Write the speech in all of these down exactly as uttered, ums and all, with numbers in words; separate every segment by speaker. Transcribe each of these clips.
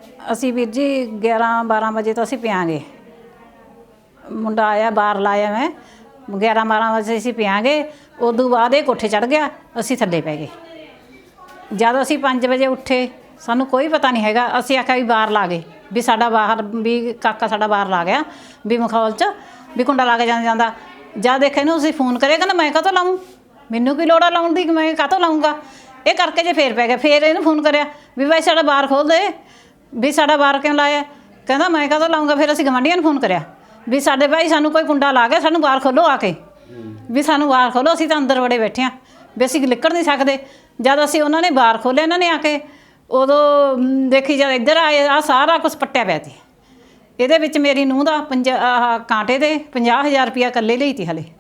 Speaker 1: ਅਸੀਂ ਵੀਰ ਜੀ ਗਿਆਰਾਂ ਬਾਰਾਂ ਵਜੇ ਤੋਂ ਅਸੀਂ ਪਿਆਂਗੇ। ਮੁੰਡਾ ਆਇਆ ਬਾਹਰ ਲਾਇਆ ਮੈਂ ਗਿਆਰਾਂ ਬਾਰਾਂ ਵਜੇ ਅਸੀਂ ਪਿਆਂਗੇ। ਉਦੋਂ ਬਾਅਦ ਇਹ ਕੋਠੇ ਚੜ੍ਹ ਗਿਆ, ਅਸੀਂ ਥੱਲੇ ਪੈ ਗਏ। ਜਦ ਅਸੀਂ ਪੰਜ ਵਜੇ ਉੱਠੇ ਸਾਨੂੰ ਕੋਈ ਪਤਾ ਨਹੀਂ ਹੈਗਾ। ਅਸੀਂ ਆਖਿਆ ਵੀ ਬਾਹਰ ਲਾ ਗਏ ਵੀ ਸਾਡਾ ਬਾਹਰ ਵੀ ਕਾਕਾ ਸਾਡਾ ਬਾਹਰ ਲਾ ਗਿਆ ਵੀ ਮਖੌਲ 'ਚ ਵੀ ਕੁੰਡਾ ਲਾ ਕੇ ਜਾਂਦਾ ਜਾਂਦਾ। ਜਦ ਦੇਖਿਆ ਇਹਨੂੰ ਅਸੀਂ ਫੋਨ ਕਰਿਆ, ਕਹਿੰਦਾ ਮੈਂ ਕਾਹਤੋਂ ਲਾਊਂ, ਮੈਨੂੰ ਕੀ ਲੋੜ ਆ ਲਾਉਣ ਦੀ, ਮੈਂ ਕਾਹਤੋਂ ਲਾਊਂਗਾ। ਇਹ ਕਰਕੇ ਜੇ ਫੇਰ ਪੈ ਗਿਆ। ਫੇਰ ਇਹਨੂੰ ਫੋਨ ਕਰਿਆ ਵੀ ਬਾਈ ਸਾਡਾ ਬਾਹਰ ਖੋਲ੍ਹ ਦੇ, ਵੀ ਸਾਡਾ ਬਾਹਰ ਕਿਉਂ ਲਾਇਆ। ਕਹਿੰਦਾ ਮੈਂ ਕਾਹਤੋਂ ਲਾਊਂਗਾ। ਫਿਰ ਅਸੀਂ ਗਵਾਂਢੀਆਂ ਨੂੰ ਫੋਨ ਕਰਿਆ ਵੀ ਸਾਡੇ ਭਾਈ ਸਾਨੂੰ ਕੋਈ ਕੁੰਡਾ ਲਾ ਗਿਆ, ਸਾਨੂੰ ਬਾਹਰ ਖੋਲ੍ਹੋ ਆ ਕੇ, ਵੀ ਸਾਨੂੰ ਬਾਹਰ ਖੋਲ੍ਹੋ, ਅਸੀਂ ਤਾਂ ਅੰਦਰ ਵੜੇ ਬੈਠੇ ਹਾਂ ਵੀ ਅਸੀਂ ਨਿਕਲ ਨਹੀਂ ਸਕਦੇ। ਜਦ ਅਸੀਂ ਉਹਨਾਂ ਨੇ ਬਾਹਰ ਖੋਲ੍ਹਿਆ ਇਹਨਾਂ ਨੇ ਆ ਕੇ, ਉਦੋਂ ਦੇਖੀ ਜਦ ਇੱਧਰ ਆਏ ਆਹ ਸਾਰਾ ਕੁਛ ਪੱਟਿਆ ਪਿਆ ਸੀ। ਇਹਦੇ ਵਿੱਚ ਮੇਰੀ ਨੂੰਹ ਦਾ ਪੰਜਾ ਆਹ ਕਾਂਟੇ ਦੇ ਪੰਜਾਹ ਹਜ਼ਾਰ ਰੁਪਈਆ ਇਕੱਲੇ ਲਈ ਤੀ। ਹਲੇ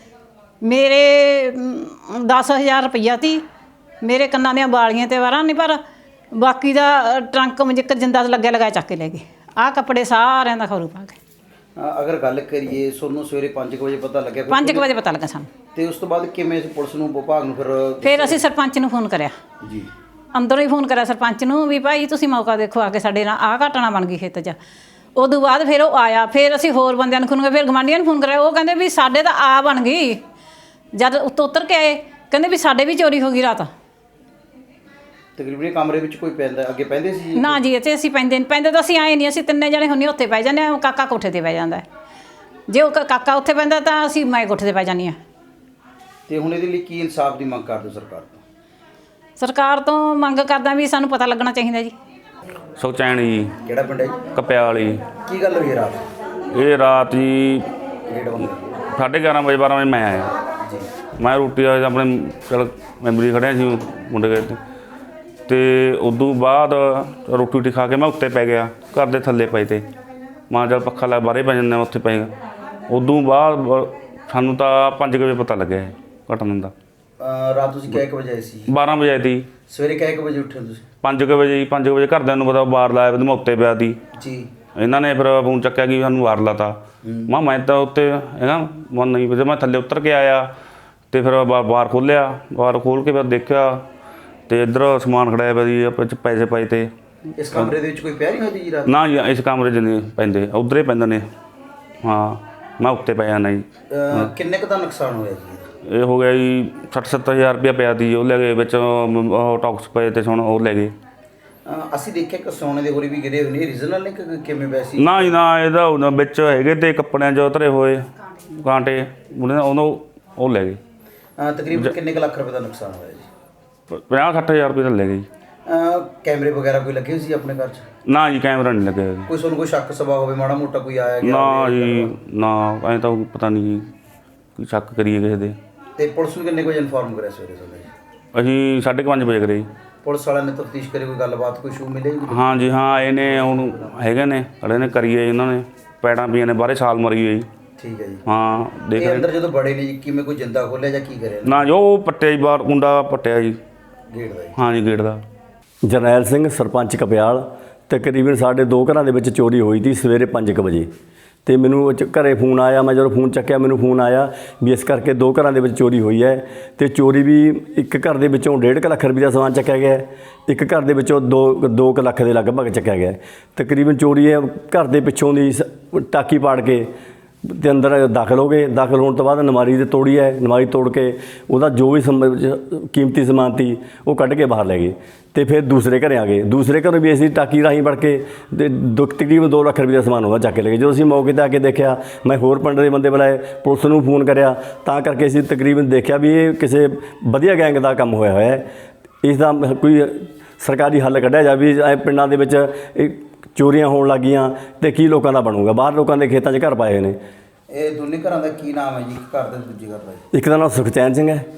Speaker 1: ਮੇਰੇ ਦਸ ਹਜ਼ਾਰ ਰੁਪਈਆ ਤੀ। ਮੇਰੇ ਕੰਨਾਂ ਦੀਆਂ ਵਾਲੀਆਂ ਤੇ ਵਾਰਾਂ ਨਹੀਂ, ਪਰ ਬਾਕੀ ਦਾ ਟਰੰਕ ਮਜਿੱਕਰ ਜਿੰਦਾ ਲੱਗਿਆ ਲਗਾਇਆ ਚੱਕ ਕੇ ਲੈ ਗਏ। ਆਹ ਕੱਪੜੇ ਸਾਰਿਆਂ ਦਾ ਖਰੂ ਪਾ ਕੇ।
Speaker 2: ਅਗਰ ਗੱਲ ਕਰੀਏ ਤੁਹਾਨੂੰ ਸਵੇਰੇ ਪੰਜ ਵਜੇ ਪਤਾ ਲੱਗਿਆ?
Speaker 1: ਪੰਜ ਕੁ ਵਜੇ ਪਤਾ ਲੱਗਾ ਸਾਨੂੰ।
Speaker 2: ਤੇ ਉਸ ਤੋਂ ਬਾਅਦ ਕਿਵੇਂ ਪੁਲਿਸ ਨੂੰ ਵਿਭਾਗ ਨੂੰ ਫਿਰ?
Speaker 1: ਫਿਰ ਅਸੀਂ ਸਰਪੰਚ ਨੂੰ ਫੋਨ ਕਰਿਆ
Speaker 2: ਜੀ,
Speaker 1: ਅੰਦਰੋਂ ਹੀ ਫੋਨ ਕਰਿਆ ਸਰਪੰਚ ਨੂੰ ਵੀ ਭਾਈ ਤੁਸੀਂ ਮੌਕਾ ਦੇਖੋ ਆ ਕੇ, ਸਾਡੇ ਨਾਲ ਆਹ ਘਟਨਾ ਬਣ ਗਈ ਖੇਤ 'ਚ। ਉਦੋਂ ਬਾਅਦ ਫਿਰ ਉਹ ਆਇਆ। ਫਿਰ ਅਸੀਂ ਹੋਰ ਬੰਦਿਆਂ ਨੂੰ ਫੋਨ ਕਰਿਆ, ਫਿਰ ਗਵਾਂਢੀਆਂ ਨੂੰ ਫੋਨ ਕਰਿਆ। ਉਹ ਕਹਿੰਦੇ ਵੀ ਸਾਡੇ ਤਾਂ ਆ ਬਣ ਗਈ। ਜਦ ਉੱਤੋਂ ਉਤਰ ਕੇ ਆਏ ਕਹਿੰਦੇ ਵੀ ਸਾਡੇ ਵੀ ਚੋਰੀ ਹੋ ਗਈ ਰਾਤ।
Speaker 2: ਤਕਰੀਬਨ ਕਮਰੇ ਵਿੱਚ ਕੋਈ ਪੈਂਦਾ ਅੱਗੇ ਪੈਂਦੇ ਸੀ?
Speaker 1: ਨਾ ਜੀ, ਇੱਥੇ ਅਸੀਂ ਪੈਂਦੇ ਨਹੀਂ। ਪੈਂਦੇ ਤਾਂ ਅਸੀਂ ਆਏ ਨਹੀਂ, ਅਸੀਂ ਤਿੰਨੇ ਜਣੇ ਹੁੰਦੇ ਉੱਥੇ ਪੈ ਜਾਂਦੇ ਹਾਂ। ਕਾਕਾ ਕੋਠੇ 'ਤੇ ਪੈ ਜਾਂਦਾ। ਜੇ ਉਹ ਕਾਕਾ ਉੱਥੇ ਪੈਂਦਾ ਤਾਂ ਅਸੀਂ ਮੈਂ ਕੋਠੇ 'ਤੇ ਪੈ ਜਾਂਦੀ ਹਾਂ।
Speaker 2: ਤੇ ਹੁਣ ਇਹਦੇ ਲਈ ਕੀ ਇਨਸਾਫ ਦੀ ਮੰਗ ਕਰਦੇ ਸਰਕਾਰ ਤੋਂ?
Speaker 1: ਸਰਕਾਰ ਤੋਂ ਮੰਗ ਕਰਦਾ ਵੀ ਸਾਨੂੰ ਪਤਾ ਲੱਗਣਾ ਚਾਹੀਦਾ ਜੀ।
Speaker 3: ਸੁਖਚੈਨ ਜੀ।
Speaker 2: ਕਿਹੜਾ ਪਿੰਡ ਹੈ ਜੀ?
Speaker 3: ਕਪਿਆਲੀ।
Speaker 2: ਕੀ ਗੱਲ ਹੋਈ ਰਾਤ?
Speaker 3: ਇਹ ਰਾਤ ਜੀ
Speaker 2: ਗੇਟ ਬੰਦ
Speaker 3: ਸਾਢੇ ਗਿਆਰਾਂ ਵਜੇ ਬਾਰਾਂ ਵਜੇ ਮੈਂ ਆਇਆ
Speaker 2: ਜੀ।
Speaker 3: ਮੈਂ ਰੋਟੀ ਵਾਲੇ ਆਪਣੇ ਚਲ ਮੈਂਬਰੀ ਖੜਿਆ ਸੀ ਮੁੰਡੇ ਗਏ ਤੇ ਅਤੇ ਉਦੋਂ ਬਾਅਦ ਰੋਟੀ ਰੋਟੀ ਖਾ ਕੇ ਮੈਂ ਉੱਤੇ ਪੈ ਗਿਆ, ਘਰ ਦੇ ਥੱਲੇ ਪਏ ਤੇ ਮਾਂ ਜਦ ਪੱਖਾ ਲਾ ਬਾਹਰੇ ਪੈ ਜਾਂਦੇ ਉੱਥੇ ਪੈ ਗਿਆ। ਉਦੋਂ ਬਾਅਦ ਸਾਨੂੰ ਤਾਂ ਪੰਜ ਕੁ ਵਜੇ ਪਤਾ ਲੱਗਿਆ ਇਹ ਘਟਨਾ ਦਾ।
Speaker 2: ਰਾਤ ਤੁਸੀਂ ਕਿੰਨੇ ਕੁ ਵਜੇ ਆਏ ਸੀ?
Speaker 3: ਬਾਰਾਂ ਵਜੇ ਆਈ ਤੀ।
Speaker 2: ਸਵੇਰੇ ਕਿੰਨੇ ਕੁ ਵਜੇ ਉੱਠੇ ਤੁਸੀਂ?
Speaker 3: ਪੰਜ ਕੁ ਵਜੇ ਜੀ। ਪੰਜ ਕੁ ਵਜੇ ਘਰਦਿਆਂ ਨੂੰ ਪਤਾ ਬਾਹਰ ਲਾਇਆ ਮੈਂ ਉੱਤੇ ਪਿਆ ਤੀ
Speaker 2: ਜੀ।
Speaker 3: ਇਹਨਾਂ ਨੇ ਫਿਰ ਫੋਨ ਚੱਕਿਆ ਕਿ ਸਾਨੂੰ ਬਾਹਰ ਲਾਤਾ। ਮੈਂ ਮੈਂ ਤਾਂ ਉੱਤੇ ਹੈਗਾ ਮਨ ਨਹੀਂ, ਫਿਰ ਮੈਂ ਥੱਲੇ ਉਤਰ ਕੇ ਆਇਆ ਅਤੇ ਫਿਰ ਬਾ ਬਾਹਰ ਖੋਲ੍ਹਿਆ। ਬਾਹਰ ਖੋਲ੍ਹ ਕੇ ਫਿਰ ਦੇਖਿਆ ਅਤੇ ਇੱਧਰ ਸਮਾਨ ਖੜਾਇਆ ਪਿਆ ਜੀ, ਆਪਾਂ 'ਚ ਪੈਸੇ ਪਾਏ ਤੇ।
Speaker 2: ਇਸ ਕਮਰੇ ਦੇ ਵਿੱਚ ਕੋਈ ਪਿਆ ਨਹੀਂ ਹੋਈ ਜੀ ਰਾਤ?
Speaker 3: ਨਾ ਜੀ, ਇਸ ਕਮਰੇ 'ਚ ਨਹੀਂ ਪੈਂਦੇ, ਉੱਧਰ ਹੀ ਪੈਂਦੇ ਨੇ। ਹਾਂ, ਮੈਂ ਉੱਤੇ ਪਿਆ ਨਾ ਜੀ।
Speaker 2: ਕਿੰਨੇ ਕੁ ਦਾ ਨੁਕਸਾਨ ਹੋਇਆ ਜੀ?
Speaker 3: ਇਹ ਹੋ ਗਿਆ ਜੀ ਸੱਠ ਸੱਤਰ ਹਜ਼ਾਰ ਰੁਪਇਆ ਪਿਆ ਤੀ। ਉਹ ਲੈ ਗਏ ਵਿੱਚ, ਉਹ ਟੌਕਸ ਪਏ ਤੇ ਹੁਣ ਉਹ ਲੈ ਗਏ।
Speaker 2: ਅਸੀਂ ਦੇਖਿਆ ਕਿ ਸੋਨੇ ਦੇ ਹੋਰੀ ਵੀ ਗਿਰੇ ਹੋਏ ਨੇ, ਰੀਜਨਲ ਨੇ ਕਿ ਕਿਵੇਂ ਵੈਸੇ?
Speaker 3: ਨਾ ਜੀ ਨਾ, ਇਹਦਾ ਉਹਨਾਂ ਵਿੱਚ ਹੈਗੇ ਤੇ ਕੱਪੜਿਆਂ 'ਚ ਉਤਰੇ ਹੋਏ ਕਾਂਟੇ ਉਹਨੇ ਉਹਨੂੰ ਉਹ ਲੈ ਗਏ।
Speaker 2: ਤਕਰੀਬਨ ਕਿੰਨੇ ਕੁ ਲੱਖ ਰੁਪਏ ਦਾ ਨੁਕਸਾਨ ਹੋਇਆ ਜੀ?
Speaker 3: ਪੰਜਾਹ ਸੱਠ ਹਜ਼ਾਰ ਰੁਪਏ ਤਾਂ ਲੈ ਗਏ ਜੀ।
Speaker 2: ਕੈਮਰੇ ਵਗੈਰਾ ਕੋਈ ਲੱਗੇ ਸੀ ਆਪਣੇ ਘਰ 'ਚ?
Speaker 3: ਨਾ ਜੀ, ਕੈਮਰਾ ਨਹੀਂ ਲੱਗਿਆ ਜੀ।
Speaker 2: ਕੋਈ ਤੁਹਾਨੂੰ ਕੋਈ ਸ਼ੱਕ ਸਵਾ ਹੋਵੇ ਮਾੜਾ ਮੋਟਾ ਕੋਈ ਆਇਆ ਗਿਆ?
Speaker 3: ਨਾ ਜੀ ਨਾ, ਐਂ ਤਾਂ ਪਤਾ ਨਹੀਂ ਜੀ, ਕੋਈ ਸ਼ੱਕ ਕਰੀਏ ਕਿਸੇ ਦੇ।
Speaker 2: ਤੇ ਪੁਲਿਸ ਨੂੰ ਕਿੰਨੇ ਕੁ ਵਜੇ ਇਨਫੋਰਮ ਕਰਿਆ ਸਵੇਰੇ ਸਵੇਰੇ?
Speaker 3: ਅਸੀਂ ਸਾਢੇ ਕੁ ਪੰਜ ਵਜੇ ਕਰੇ ਜੀ।
Speaker 2: ਪੁਲਿਸ ਵਾਲਿਆਂ ਨੇ ਤਫਤੀਸ਼ ਕਰੀ, ਕੋਈ ਗੱਲਬਾਤ ਕੋਈ ਸ਼ੂ ਮਿਲੇ?
Speaker 3: ਹਾਂ ਜੀ ਹਾਂ, ਇਹਨੇ ਹੁਣ ਹੈਗੇ ਨੇ ਖੜੇ ਨੇ, ਕਰੀਏ ਇਹਨਾਂ ਨੇ ਪੈੜਾਂ ਪਈਆਂ ਨੇ ਬਾਹਰੇ, ਛਾਲ ਮਾਰੀ ਹੋਈ।
Speaker 2: ਠੀਕ ਹੈ ਜੀ।
Speaker 3: ਹਾਂ ਦੇਖ
Speaker 2: ਇਹ ਅੰਦਰ ਜਦੋਂ ਬੜੇ ਨੇ ਜੀ ਕਿਵੇਂ ਕੋਈ ਜਿੰਦਾ ਖੋਲ੍ਹਿਆ ਜਾਂ ਕੀ ਕਰਿਆ?
Speaker 3: ਨਾ ਜੋ ਪੱਟਿਆ ਜੀ ਬਾਹਰ, ਕੁੰਡਾ ਪੱਟਿਆ ਜੀ
Speaker 2: ਗੇਟ ਦਾ ਜੀ?
Speaker 3: ਹਾਂ ਜੀ, ਗੇਟ ਦਾ।
Speaker 4: ਜਰਨੈਲ ਸਿੰਘ, ਸਰਪੰਚ ਕਪਿਆਲ। ਤਕਰੀਬਨ ਸਾਡੇ ਦੋ ਘਰਾਂ ਦੇ ਵਿੱਚ ਚੋਰੀ ਹੋਈ ਸੀ ਸਵੇਰੇ ਪੰਜ ਕੁ ਵਜੇ। ਅਤੇ ਮੈਨੂੰ ਘਰੇ ਫੋਨ ਆਇਆ। ਮੈਂ ਜਦੋਂ ਫੋਨ ਚੱਕਿਆ ਮੈਨੂੰ ਫੋਨ ਆਇਆ ਵੀ ਇਸ ਕਰਕੇ ਦੋ ਘਰਾਂ ਦੇ ਵਿੱਚ ਚੋਰੀ ਹੋਈ ਹੈ। ਅਤੇ ਚੋਰੀ ਵੀ ਇੱਕ ਘਰ ਦੇ ਵਿੱਚੋਂ ਡੇਢ ਕੁ ਲੱਖ ਰੁਪਏ ਦਾ ਸਮਾਨ ਚੱਕਿਆ ਗਿਆ, ਇੱਕ ਘਰ ਦੇ ਵਿੱਚੋਂ ਦੋ ਦੋ ਕੁ ਲੱਖ ਦੇ ਲਗਭਗ ਚੱਕਿਆ ਗਿਆ। ਤਕਰੀਬਨ ਚੋਰੀ ਹੈ ਘਰ ਦੇ ਪਿੱਛੋਂ ਦੀ ਟਾਕੀ ਪਾੜ ਕੇ ਅਤੇ ਅੰਦਰ ਦਾਖਲ ਹੋ ਗਏ। ਦਾਖਲ ਹੋਣ ਤੋਂ ਬਾਅਦ ਨਮਾਰੀ ਤੇ ਤੋੜੀ ਹੈ। ਨਮਾਰੀ ਤੋੜ ਕੇ ਉਹਦਾ ਜੋ ਵੀ ਸਮ ਕੀਮਤੀ ਸਮਾਨ ਸੀ ਉਹ ਕੱਢ ਕੇ ਬਾਹਰ ਲੈ ਗਏ। ਅਤੇ ਫਿਰ ਦੂਸਰੇ ਘਰੇ ਆ ਗਏ। ਦੂਸਰੇ ਘਰੋਂ ਵੀ ਅਸੀਂ ਟਾਕੀ ਰਾਹੀਂ ਵੜ ਕੇ ਅਤੇ ਦੋ ਤਕਰੀਬਨ ਦੋ ਲੱਖ ਰੁਪਏ ਦਾ ਸਮਾਨ ਉਹਦਾ ਚੱਕ ਕੇ ਲੈ ਗਏ। ਜਦੋਂ ਅਸੀਂ ਮੌਕੇ 'ਤੇ ਆ ਕੇ ਦੇਖਿਆ, ਮੈਂ ਹੋਰ ਪਿੰਡ ਦੇ ਬੰਦੇ ਬੁਲਾਏ, ਪੁਲਿਸ ਨੂੰ ਫੋਨ ਕਰਿਆ, ਤਾਂ ਕਰਕੇ ਅਸੀਂ ਤਕਰੀਬਨ ਦੇਖਿਆ ਵੀ ਇਹ ਕਿਸੇ ਵਧੀਆ ਗੈਂਗ ਦਾ ਕੰਮ ਹੋਇਆ ਹੋਇਆ ਹੈ। ਇਸ ਦਾ ਕੋਈ ਸਰਕਾਰੀ ਹੱਲ ਕੱਢਿਆ ਜਾਵੇ। ਐ ਪਿੰਡਾਂ ਦੇ ਵਿੱਚ ਇਹ ਚੋਰੀਆਂ ਹੋਣ ਲੱਗ ਗਈਆਂ ਅਤੇ ਕੀ ਲੋਕਾਂ ਦਾ ਬਣੂਗਾ? ਬਾਹਰ ਲੋਕਾਂ ਦੇ ਖੇਤਾਂ 'ਚ ਘਰ ਪਾਏ ਹੋਏ ਨੇ।
Speaker 2: ਇਹ ਦੋਨੇ ਘਰਾਂ ਦਾ ਕੀ ਨਾਮ ਹੈ ਜੀ? ਇੱਕ ਘਰ ਦਾ ਦੂਜੇ ਘਰ ਦਾ?
Speaker 4: ਇੱਕ ਦਾ ਨਾਮ ਸੁਖਚੈਨ ਸਿੰਘ ਹੈ,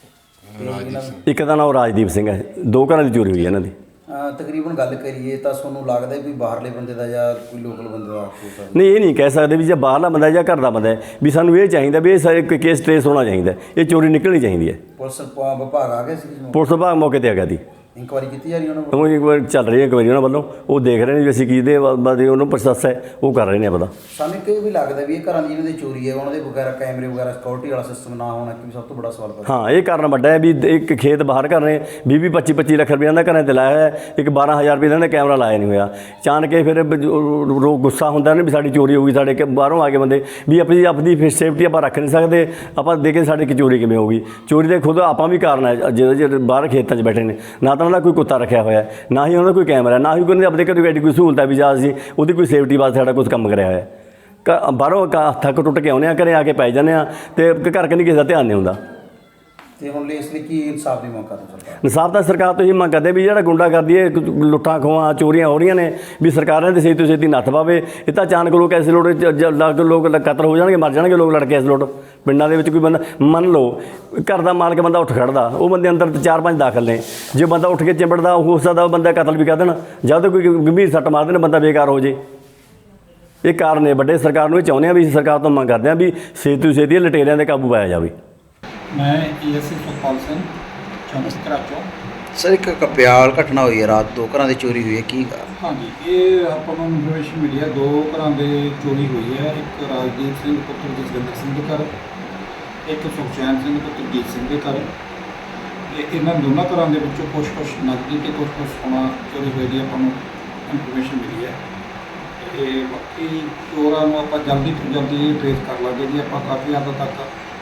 Speaker 4: ਇੱਕ ਦਾ ਨਾਮ ਰਾਜਦੀਪ ਸਿੰਘ ਹੈ। ਦੋ ਘਰਾਂ ਦੀ ਚੋਰੀ ਹੋਈ ਹੈ ਇਹਨਾਂ ਦੀ।
Speaker 2: ਤਕਰੀਬਨ ਗੱਲ ਕਰੀਏ ਤਾਂ ਤੁਹਾਨੂੰ ਲੱਗਦਾ ਵੀ ਬਾਹਰਲੇ ਬੰਦੇ ਦਾ ਜਾਂ ਕੋਈ ਲੋਕਲ ਬੰਦੇ ਦਾ ਹੋ ਸਕਦਾ?
Speaker 4: ਨਹੀਂ, ਇਹ ਨਹੀਂ ਕਹਿ ਸਕਦੇ ਵੀ ਜੇ ਬਾਹਰਲਾ ਬੰਦਾ ਜਾਂ ਘਰ ਦਾ ਬੰਦਾ ਹੈ। ਵੀ ਸਾਨੂੰ ਇਹ ਚਾਹੀਦਾ ਵੀ ਇਹ ਸਾਰੇ ਕੇਸ ਟ੍ਰੇਸ ਹੋਣਾ ਚਾਹੀਦਾ, ਇਹ ਚੋਰੀ ਨਿਕਲਣੀ ਚਾਹੀਦੀ ਹੈ।
Speaker 2: ਪੁਲਿਸ ਵਿਭਾਗ ਆ ਗਿਆ ਸੀ?
Speaker 4: ਪੁਲਿਸ ਵਿਭਾਗ ਮੌਕੇ 'ਤੇ ਆ ਗਿਆ ਸੀ।
Speaker 2: ਇਨਕੁਆਇਰੀ ਕੀਤੀ ਜਾ ਰਹੀ ਉਹਨਾਂ ਵੱਲੋਂ?
Speaker 4: ਉਹ ਇੱਕ ਵਾਰ ਚੱਲ ਰਹੀ ਹੈ ਇਨਕੁਆਇਰੀ ਉਹਨਾਂ ਵੱਲੋਂ, ਉਹ ਦੇਖ ਰਹੇ ਨੇ ਵੀ ਅਸੀਂ ਕਿਹਦੇ ਬਾਰੇ ਉਹਨੂੰ ਪ੍ਰੋਸੈਸ ਹੈ ਉਹ ਕਰ ਰਹੇ ਨੇ ਪਤਾ।
Speaker 2: ਸਾਨੂੰ ਇੱਕ ਇਹ ਵੀ ਲੱਗਦਾ ਵੀ ਇਹ ਘਰਾਂ ਦੀ ਜਿਹਨਾਂ ਦੀ ਚੋਰੀ ਹੈ ਉਹਨਾਂ ਦੇ ਵਗੈਰਾ ਕੈਮਰੇ ਵਗੈਰਾ ਸਿਕਿਉਰਿਟੀ ਵਾਲਾ ਸਿਸਟਮ ਨਾ ਹੋਣਾ ਕਿ ਸਭ ਤੋਂ ਵੱਡਾ ਸਵਾਲ ਪੈਦਾ।
Speaker 4: ਹਾਂ, ਇਹ ਕਾਰਨ ਵੱਡਾ ਹੈ ਵੀ ਇੱਕ ਖੇਤ ਬਾਹਰ ਕਰ ਰਹੇ ਵੀਹ ਵੀਹ ਪੱਚੀ ਪੱਚੀ ਲੱਖ ਰੁਪਏ ਦਾ ਘਰਾਂ 'ਤੇ ਲਾਇਆ ਹੋਇਆ ਹੈ, ਇੱਕ ਬਾਰਾਂ ਹਜ਼ਾਰ ਰੁਪਏ ਦਾ ਕੈਮਰਾ ਲਾਇਆ ਨਹੀਂ ਹੋਇਆ। ਅਚਾਨਕ ਇਹ ਫਿਰ ਰੋ ਗੁੱਸਾ ਹੁੰਦਾ ਨੇ ਵੀ ਸਾਡੀ ਚੋਰੀ ਹੋ ਗਈ, ਸਾਡੇ ਬਾਹਰੋਂ ਆ ਕੇ ਬੰਦੇ ਵੀ ਆਪਣੀ ਆਪਣੀ ਸੇਫਟੀ ਆਪਾਂ ਰੱਖ ਨਹੀਂ ਸਕਦੇ, ਆਪਾਂ ਦੇ ਕੇ ਸਾਡੀ ਚੋਰੀ ਕਿਵੇਂ ਹੋ ਗਈ। ਚੋਰੀ ਦੇ ਖੁਦ ਆਪਾਂ ਵੀ ਕਾਰਨ ਹੈ, ਜਿਹੜੇ ਜਿਹੜੇ ਬਾਹਰ ਖੇਤਾਂ 'ਚ ਬੈਠੇ ਨੇ, ਨਾ ਤਾਂ ਉਹਨਾਂ ਦਾ ਕੋਈ ਕੁੱਤਾ ਰੱਖਿਆ ਹੋਇਆ, ਨਾ ਹੀ ਉਹਨਾਂ ਦਾ ਕੋਈ ਕੈਮਰਾ, ਨਾ ਹੀ ਕੋਈ ਆਪਣੇ ਘਰ ਐਡੀ ਕੋਈ ਸਹੂਲਤ ਹੈ ਵੀ ਜਾਂ ਅਸੀਂ ਉਹਦੀ ਕੋਈ ਸੇਫਟੀ ਵਾਸਤੇ ਸਾਡਾ ਕੁਝ ਕੰਮ ਕਰਿਆ ਹੋਇਆ। ਕ ਬਾਹਰੋਂ ਥੱਕ ਟੁੱਟ ਕੇ ਆਉਂਦੇ ਹਾਂ, ਘਰੇ ਆ ਕੇ ਪੈ ਜਾਂਦੇ ਹਾਂ ਅਤੇ ਘਰ ਕੰਨੀ ਕਿਸੇ ਦਾ ਧਿਆਨ ਨਹੀਂ ਹੁੰਦਾ।
Speaker 2: ਤੇ ਹੁਣ ਲਈ ਇਸ ਲਈ ਕੀ ਇਨਸਾਫ ਦੀ ਮੰਗ ਕਰਦੇ ਸਰਕਾਰ?
Speaker 4: ਇਨਸਾਫ ਤਾਂ ਸਰਕਾਰ ਤੋਂ ਹੀ ਮੰਗ ਕਰਦੇ ਵੀ ਜਿਹੜਾ ਗੁੰਡਾ ਕਰਦੀ ਹੈ, ਲੁੱਟਾਂ ਖੋਹਾਂ ਚੋਰੀਆਂ ਹੋ ਰਹੀਆਂ ਨੇ, ਵੀ ਸਰਕਾਰਾਂ ਦੇ ਛੇਤੀ ਤੋਂ ਛੇਤੀ ਨੱਥ ਪਾਵੇ। ਇਹ ਤਾਂ ਅਚਾਨਕ ਲੋਕ ਐਸੇ ਲੋੜ ਲੋਕ ਕਤਲ ਹੋ ਜਾਣਗੇ, ਮਰ ਜਾਣਗੇ ਲੋਕ ਲੜ ਕੇ। ਇਸ ਲੋਟ ਪਿੰਡਾਂ ਦੇ ਵਿੱਚ ਕੋਈ ਬੰਦਾ ਮੰਨ ਲਓ ਘਰ ਦਾ ਮਾਲਕ ਬੰਦਾ ਉੱਠ ਖੜਦਾ, ਉਹ ਬੰਦੇ ਅੰਦਰ ਚਾਰ ਪੰਜ ਦਾਖਲ ਨੇ, ਜੇ ਬੰਦਾ ਉੱਠ ਕੇ ਚਿੰਬੜਦਾ ਹੋ ਸਕਦਾ ਬੰਦਾ ਕਤਲ ਵੀ ਕਰ ਦੇਣ, ਜਦ ਕੋਈ ਗੰਭੀਰ ਸੱਟ ਮਾਰ ਦੇਣ ਬੰਦਾ ਬੇਕਾਰ ਹੋ ਜੇ। ਇਹ ਕਾਰਨ ਨੇ ਵੱਡੇ। ਸਰਕਾਰ ਨੂੰ ਇਹ ਚਾਹੁੰਦੇ ਆ ਵੀ ਸਰਕਾਰ ਤੋਂ ਮੰਗ ਕਰਦੇ ਆ ਵੀ ਛੇਤੀ ਤੋਂ ਛੇਤੀ ਲਟੇਰਿਆਂ ਦੇ ਕਾਬੂ ਪਾਇਆ ਜਾਵੇ।
Speaker 5: ਮੈਂ ਏਐਸਏ ਸੁਖਪਾਲ ਸਿੰਘ ਚੌਂਕੀ ਕਰਾਚੋਂ।
Speaker 2: ਸਰ ਇੱਕ ਕਪਿਆਲ ਘਟਨਾ ਹੋਈ ਹੈ ਰਾਤ, ਦੋ ਘਰਾਂ ਦੀ ਚੋਰੀ ਹੋਈ ਹੈ, ਕੀ?
Speaker 5: ਹਾਂਜੀ, ਇਹ ਆਪਾਂ ਨੂੰ ਇਨਫੋਰਮੇਸ਼ਨ ਮਿਲੀ ਹੈ, ਦੋ ਘਰਾਂ ਦੇ ਚੋਰੀ ਹੋਈ ਹੈ। ਇੱਕ ਰਾਜਦੀਪ ਸਿੰਘ ਪੁੱਤਰ ਜਸਵਿੰਦਰ ਸਿੰਘ ਦੇ ਘਰ, ਇੱਕ ਸੁਖਚੈਨ ਸਿੰਘ ਪੁੱਤਰ ਜੀਤ ਸਿੰਘ ਦੇ ਘਰ। ਇਹ ਇਹਨਾਂ ਦੋਨਾਂ ਘਰਾਂ ਦੇ ਵਿੱਚੋਂ ਕੁਛ ਕੁਛ ਨਕਦੀ ਅਤੇ ਕੁਛ ਕੁਛ ਸੋਨਾ ਚੋਰੀ ਹੋਈ ਦੀ ਆਪਾਂ ਨੂੰ ਇਨਫੋਰਮੇਸ਼ਨ ਮਿਲੀ ਹੈ। ਅਤੇ ਬਾਕੀ ਚੋਰਾਂ ਨੂੰ ਆਪਾਂ ਜਲਦੀ ਤੋਂ ਜਲਦੀ ਟਰੇਸ ਕਰ ਲਾਂਗੇ ਜੀ। ਆਪਾਂ ਕਾਫੀ ਹੱਦ ਤੱਕ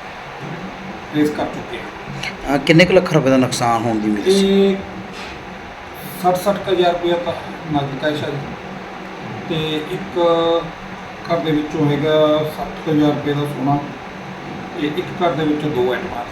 Speaker 5: ਟਰੇਸ ਕਰ ਚੁੱਕੇ ਹਾਂ।
Speaker 2: ਕਿੰਨੇ ਕੁ ਲੱਖ ਰੁਪਏ ਦਾ ਨੁਕਸਾਨ ਹੋਣ ਦੀ ਉਮੀਦ ਸੀ?
Speaker 5: ਇਹ ਸੱਠ ਸੱਠ ਕੁ ਹਜ਼ਾਰ ਰੁਪਇਆ ਤਾਂ ਨਕਦ ਕੈਸ਼ ਹੈ ਅਤੇ ਇੱਕ ਘਰ ਦੇ ਵਿੱਚੋਂ ਹੈਗਾ ਸੱਠ ਕੁ ਹਜ਼ਾਰ ਰੁਪਏ ਦਾ ਸੋਨਾ, ਅਤੇ ਇੱਕ ਘਰ ਦੇ ਵਿੱਚੋਂ ਦੋ ਐਟਮਾਂ।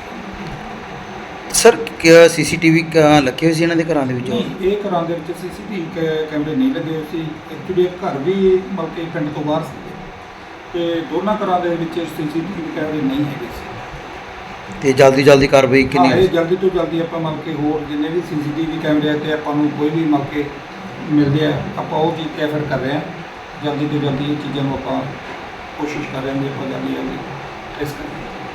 Speaker 2: ਸਰ ਸੀ ਸੀ ਟੀ ਵੀ ਲੱਗੇ ਹੋਏ ਸੀ ਇਹਨਾਂ ਦੇ ਘਰਾਂ ਦੇ ਵਿੱਚ?
Speaker 5: ਨਹੀਂ, ਇਹ ਘਰਾਂ ਦੇ ਵਿੱਚ ਸੀ ਸੀ ਟੀ ਵੀ ਕੈਮਰੇ ਨਹੀਂ ਲੱਗੇ ਹੋਏ ਸੀ। ਐਕਚੁਅਲੀ ਇਹ ਘਰ ਵੀ ਮਤਲਬ ਕਿ ਪਿੰਡ ਤੋਂ ਬਾਹਰ ਸੀ ਅਤੇ ਦੋਨਾਂ ਘਰਾਂ ਦੇ ਵਿੱਚ ਸੀ ਸੀ ਟੀ ਵੀ ਕੈਮਰੇ ਨਹੀਂ ਹੈਗੇ ਸੀ।
Speaker 2: ਤੇ ਜਲਦੀ ਜਲਦੀ ਕਾਰਵਾਈ
Speaker 5: ਹਾਂ,
Speaker 2: ਕਿੰਨੀ?
Speaker 5: ਇਹ ਜਲਦੀ ਤੋਂ ਜਲਦੀ ਆਪਾਂ ਮਤਲਬ ਕਿ ਹੋਰ ਜਿੰਨੇ ਵੀ ਸੀ ਸੀ ਟੀ ਵੀ ਕੈਮਰੇ ਆ ਅਤੇ ਆਪਾਂ ਨੂੰ ਕੋਈ ਵੀ ਮਤਲਬ ਕਿ ਮਿਲਦੇ ਆ, ਆਪਾਂ ਉਹ ਚੀਜ਼ ਐਫਰਟ ਕਰ ਰਹੇ ਹਾਂ। ਜਲਦੀ ਤੋਂ ਜਲਦੀ ਇਹ ਚੀਜ਼ਾਂ ਨੂੰ ਆਪਾਂ ਕੋਸ਼ਿਸ਼ ਕਰ ਰਹੇ ਹਾਂ ਵੀ ਆਪਾਂ ਜਲਦੀ ਜਲਦੀ ਇਸ ਕਰੀਏ।